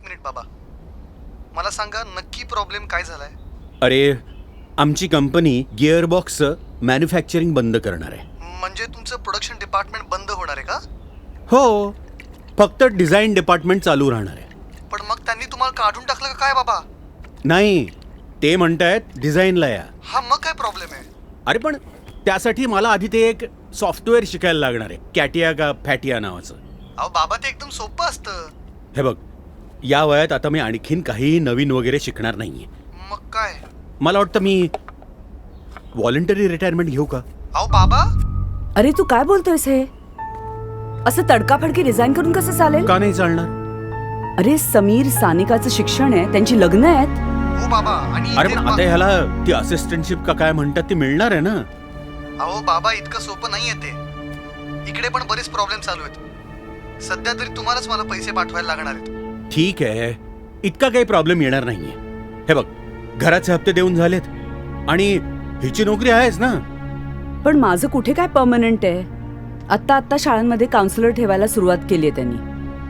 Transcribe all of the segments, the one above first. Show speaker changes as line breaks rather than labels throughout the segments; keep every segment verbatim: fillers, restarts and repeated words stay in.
Minute बाबा, मला सांगा नक्की प्रॉब्लेम काय झालाय?
अरे, आमची कंपनी गिअरबॉक्सचं मॅन्युफॅक्चरिंग बंद करणार आहे.
म्हणजे तुमचं प्रोडक्शन डिपार्टमेंट बंद होणार आहे का?
हो, फक्त डिझाईन डिपार्टमेंट चालू राहणार आहे.
पण मग त्यांनी तुम्हाला काढून टाकलं का काय बाबा?
नाही, ते म्हणतायत डिझाईनला या.
हा मग काय प्रॉब्लेम आहे?
अरे पण त्यासाठी मला आधी ते एक सॉफ्टवेअर शिकायला लागणार आहे, कॅटिया का फॅटिया नावाचं.
अहो बाबा, ते एकदम सोपं असतं.
हे बघ, या वयात आता मी आणखीन काही नवीन वगैरे शिकणार नाहीये.
मग काय?
मला वाटतं मी व्हॉलंटरी रिटायरमेंट घेऊ का?
अहो बाबा,
अरे तू काय बोलतोयस हे? असं तडकाफडकी रिझाईन करून कसं चालेल?
का नाही चालणार?
अरे समीर सानिकाचं शिक्षण आहे, त्यांची लग्न आहेत.
हो बाबा. आणि
अरे
इथे
पण
बा-
आता ह्याला ती असिस्टंटशिप का काय म्हणतात ती मिळणार आहे ना?
अहो बाबा, इतकं सोपं नाहीये ते. इकडे पण बरेच प्रॉब्लेम चालू आहेत. सध्या तरी तुम्हालाच मला पैसे पाठवायला लागणार आहेत.
ठीक आहे, इतका काही प्रॉब्लेम येणार नाहीये. हे बघ, घराचे हप्ते देऊन झालेत आणि हिची नोकरी आहेच ना.
पण माझं कुठे काय परमनंट आहे? आत्ता आत्ता शाळांमध्ये काउन्सिलर ठेवायला सुरुवात केली आहे त्यांनी.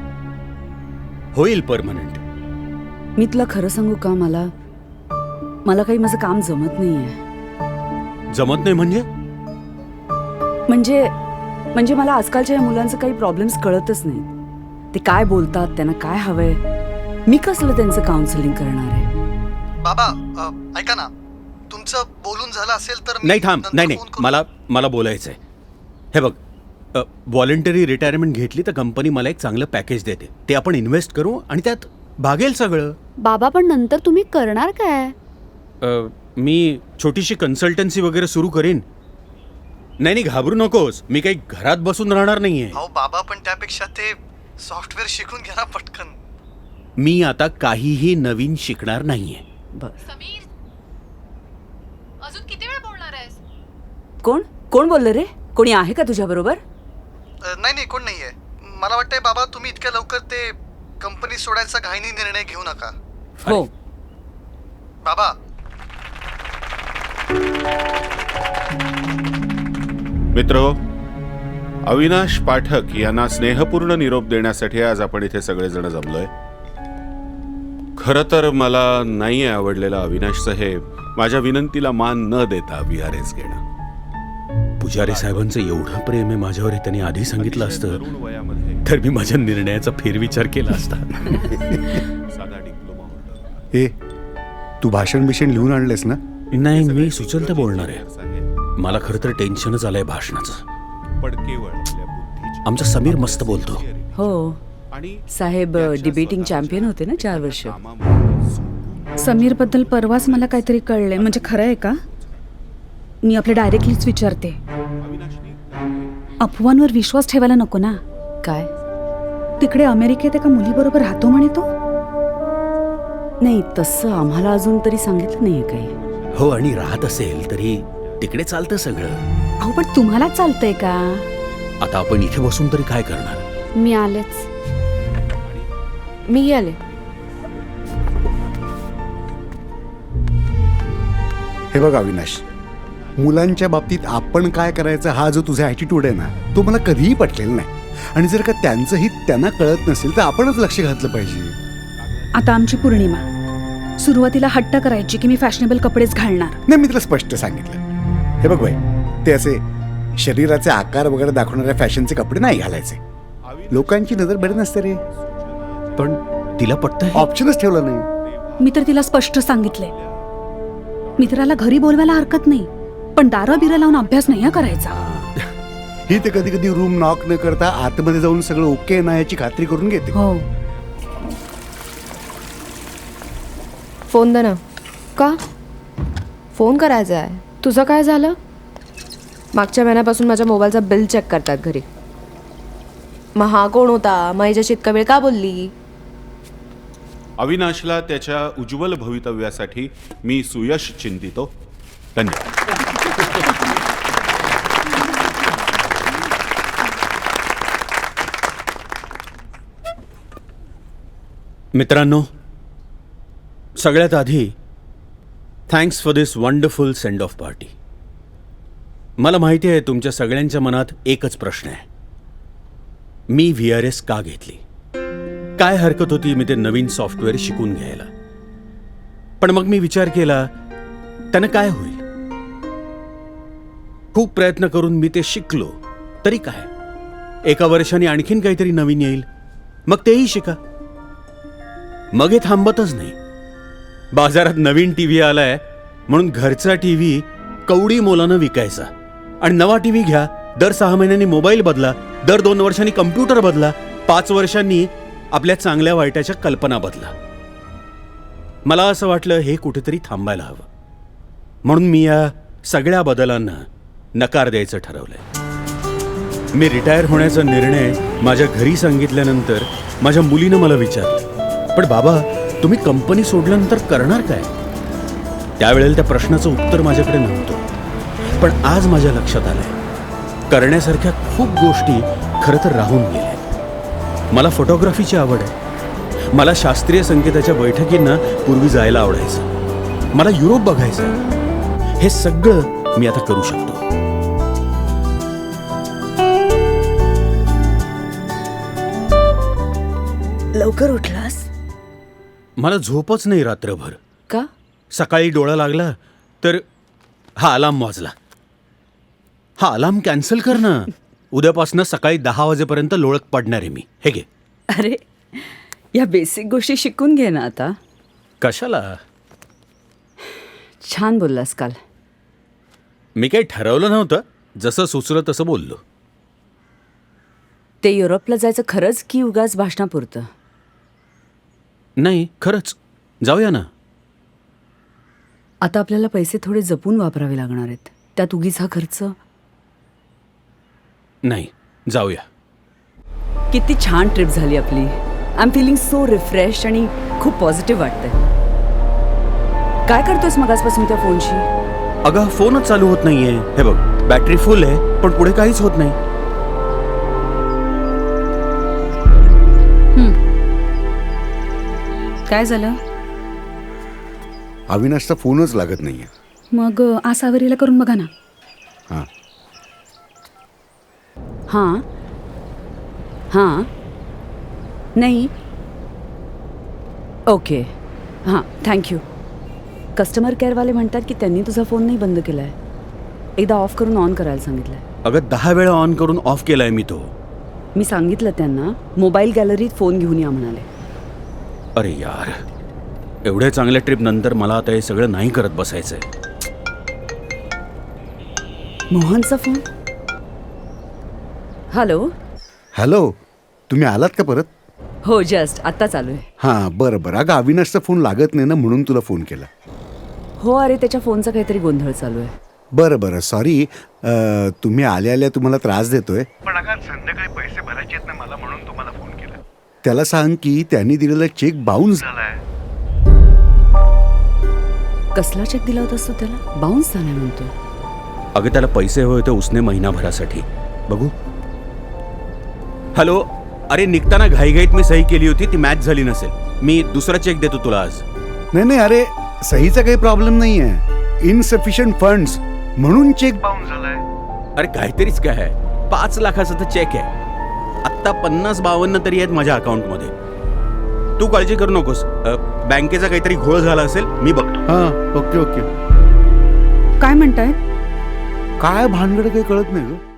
होईल परमनंट.
मी तुला खरं सांगू का, मला मला काही माझं काम जमत नाहीये.
जमत नाही म्हणजे?
म्हणजे म्हणजे मला आजकालच्या या मुलांचं काही प्रॉब्लेम्स कळतच नाहीत. ते काय बोलतात, त्यांना काय हवंय, मी कसलं त्यांचं काउन्सिलिंग करणार आहे?
बाबा, अ, ऐका ना, तुमचं बोलून झालं असेल तर मी
नाही थांब,
नंतर
नाही नाही,
फोन करू.
मला मला बोलायचं आहे. हे बघ, व्हॉलंटरी रिटायरमेंट घेतली तर कंपनी मला एक चांगलं पॅकेज देते. ते आपण इन्व्हेस्ट करू आणि त्यात भागेल सगळं.
बाबा पण नंतर तुम्ही करणार काय?
अ, मी छोटीशी कन्सल्टन्सी वगैरे सुरू करीन. नाही नाही, घाबरू नकोस, मी काही घरात बसून राहणार नाहीये.
अहो बाबा, पण त्यापेक्षा ते सॉफ्टवेअर शिकून घ्या ना पटकन.
मी आता काहीही नवीन शिकणार नाहीये.
समीर, अजून किती वेळ बोलणार आहेस?
कोण कोण बोललं रे? कोणी आहे का तुझ्या बरोबर?
अ, नाही नाही, कोण नाहीये. मला वाटतंय बाबा, तुम्ही इतक्या लवकर ते कंपनी सोडायचा घाईनी निर्णय घेऊ नका.
हो.
बाबा,
मित्रो, अविनाश पाठक यांना स्नेहपूर्ण निरोप देण्यासाठी आज आपण इथे सगळेजण जमलोय. खरं तर मला नाही आवडलेलं अविनाश साहेब माझ्या विनंतीला मान न देता व्ही आर एस घेणं.
पुजारी साहेबांचं एवढं प्रेम आहे माझ्यावर, त्यांनी आधी सांगितलं असतं
तरुण वयामध्ये
तर मी माझ्या निर्णयाचा फेरविचार केला असता.
साधा डिप्लोमा होल्डर.
ए, तू भाषण बिषण लिहून आणलेस ना?
नाही, मी सुचलतं बोलणार आहे.
साहेब,
मला खरं तर टेन्शनच आलंय भाषणाचं.
पण केवळ आपल्या बुद्धीच्या
आमचा समीर मस्त बोलतो.
हो,
आणि
साहेब डिबेटिंग चॅम्पियन होते ना चार वर्ष.
कामामुळे
समीर बद्दल परवाच मला काहीतरी कळलंय. म्हणजे खरं आहे का? मी आपल्या डायरेक्टलीच विचारते. अफवांवर विश्वास ठेवायला नको ना.
काय?
तिकडे अमेरिकेत एका मुलीबरोबर राहतो म्हणे तो.
नाही, तसं आम्हाला अजून तरी सांगितलं नाहीये काही.
हो, आणि राहत असेल तरी तिकडे चालतं सगळं.
अहो पण तुम्हाला चालतंय का?
आता आपण इथे बसून तरी काय करणार?
मी आलेच. मी आले.
हे बघ अविनाश, मुलांच्या बाबतीत आपण काय करायचं हा जो तुझा ॲटिट्यूड आहे ना, तो मला कधीही पटलेला नाही. आणि जर का त्यांचं हित त्यांना कळत नसेल तर आपणच लक्ष घातलं पाहिजे.
आता आमची पौर्णिमा. सुरुवातीला हट्ट करायची की मी फॅशनेबल कपडेच घालणार.
नाही, मी तुला स्पष्ट सांगितलं. हे बघ बाई, ते असे शरीराचे आकार वगैरे दाखवणाऱ्या फॅशनचे कपडे नाही घालायचे. लोकांची नजर बरी नसते रे.
पण तिला पटतंय.
ऑप्शनच ठेवला नाही.
मी तर तिला स्पष्ट सांगितलंय, मित्राला घरी बोलवायला हरकत नाही, पण दारं बिरं लावून अभ्यास नाही करायचा.
ही ते कधी कधी रूम नॉक न करता आतमध्ये जाऊन सगळं ओके ना याची खात्री करून घेते.
हो.
फोन दे ना. का? फोन करायचा आहे. तुझं काय झालं? मागच्या महिन्यापासून माझ्या मोबाईलचा बिल चेक करतात घरी. मग हा कोण होता? मग हिच्याशी इतका वेळ का बोलली?
अविनाशला त्याच्या उज्ज्वल भवितव्यासाठी मी सुयश चिंतितो. धन्यवाद.
मित्रांनो, सगळ्यात आधी thanks for this wonderful send off party. मला माहिती आहे तुमच्या सगळ्यांच्या मनात एकच प्रश्न आहे, मी व्ही आर एस का घेतली. काय हरकत होती मी ते नवीन सॉफ्टवेअर शिकून घ्यायला. पण मग मी विचार केला त्यानं काय होईल. खूप प्रयत्न करून मी ते शिकलो तरी काय, एका वर्षाने आणखीन काहीतरी नवीन येईल, मग तेही शिका. मग हे थांबतच नाही. बाजारात नवीन टीव्ही आलाय म्हणून घरचा टीव्ही कवडी मोलानं विकायचा, आणि नवा टीव्ही घ्या, दर सहा महिन्यांनी मोबाईल बदला, दर दोन वर्षांनी कम्प्युटर बदला, पाच वर्षांनी आपल्या चांगल्या वाईटाच्या कल्पना बदला. मला असं वाटलं हे कुठेतरी थांबायला हवं, म्हणून मी या सगळ्या बदलांना नकार द्यायचं ठरवलंय. मी रिटायर होण्याचा निर्णय माझ्या घरी सांगितल्यानंतर माझ्या मुलीनं मला विचारलं, पण बाबा तुम्ही कंपनी सोडल्यानंतर करणार काय? त्यावेळेला त्या प्रश्नाचं उत्तर माझ्याकडे नव्हतं. पण आज माझ्या लक्षात आलंय करण्यासारख्या खूप गोष्टी खरं तर राहून गेल्या. मला फोटोग्राफीची आवड आहे. मला शास्त्रीय संगीताच्या बैठकींना पूर्वी जायला आवडायचं. मला युरोप बघायचं. हे सगळं मी आता करू शकतो.
लवकर उठलास
मला झोपच नाही रात्रभर.
का?
सकाळी डोळा लागला तर हा अलार्म वाजला. हा अलार्म कॅन्सल कर ना. उद्यापासून सकाळी दहा वाजेपर्यंत लोळत पडणार आहे मी. हे घे.
अरे या बेसिक गोष्टी शिकून घे ना आता.
कशाला?
छान बोललास काल.
मी काही ठरवलं नव्हतं, जसं सुचलं तसं बोललो.
ते युरोपला जायचं खरंच की उगाच भाषणापुरतं?
नाही, खरंच जाऊया ना.
आता आपल्याला पैसे थोडे जपून वापरावे लागणार आहेत. त्यात उगीच हा खर्च.
नाही, जाऊया.
किती छान ट्रिप झाली आपली. I am feeling so refresh आणि खूप पॉझिटिव्ह वाटतंय. काय करतोयस मगासपासून त्या फोनशी?
अगं फोनच चालू होत नाहीये. हे बघ, बॅटरी फुल आहे पण पुढे काहीच होत नाही.
काय झालं?
अविनाशचा फोनच लागत नाहीये.
मग अ, आसावरीला करून बघा ना.
हां
हां हां नाही. ओके हां, थँक्यू. कस्टमर केअरवाले म्हणतात की त्यांनी तुझा फोन नाही बंद केला आहे. एकदा ऑफ करून ऑन करायला सांगितलं आहे.
अगं दहा वेळा ऑन करून ऑफ केलाय मी तो.
मी सांगितलं त्यांना मोबाईल गॅलरीत फोन घेऊन या म्हणाले.
अरे यार, एवढ्या चांगल्या ट्रिप नंतर मला आता हे सगळं नाही करत बसायचंय.
मोहनचा फोन. हॅलो.
हॅलो, तुम्ही आलात का परत?
हो, जस्ट आत्ता चालू आहे.
हां बरं बरं. अगं अविनाशचा फोन लागत नाही ना, म्हणून तुला फोन केला.
हो, अरे त्याच्या फोनचा काहीतरी गोंधळ चालू आहे.
बरं बरं, सॉरी. तुम्ही आल्या आल्या तुम्हाला त्रास देतोय.
पण अगं संध्याकाळी पैसे भरायचे आहेत ना मला, म्हणून तुम्हाला फोन केला.
त्याला सांग की त्यांनी दिलेला चेक बाउन्स
झालाय.
कसला चेक दिला होतास तू त्याला? बाउन्स झाला म्हणतो.
अगं त्याला पैसे हवे होते उसने महिनाभरासाठी. बघू. हॅलो. अरे निघताना घाईघाईत मी सही केली होती, ती मॅच झाली नसेल. मी दुसरा चेक देतो तुला आज.
नाही नाही, अरे सहीचा काही प्रॉब्लेम नाही आहे. इनसफिशियंट फंड्स म्हणून चेक
बाउन्स झालाय.
अरे काहीतरीच काय आहे. पाच लाखाचा तर चेक आहे. आत्ता पन्नास बावन्न तरी आहेत माझ्या अकाउंटमध्ये. तू काळजी करू नकोस. अ, बँकेचा काहीतरी घोळ झाला असेल, मी बघतो.
हां ओके ओके.
काय म्हणताय?
काय भानगड काही कळत नाही ग.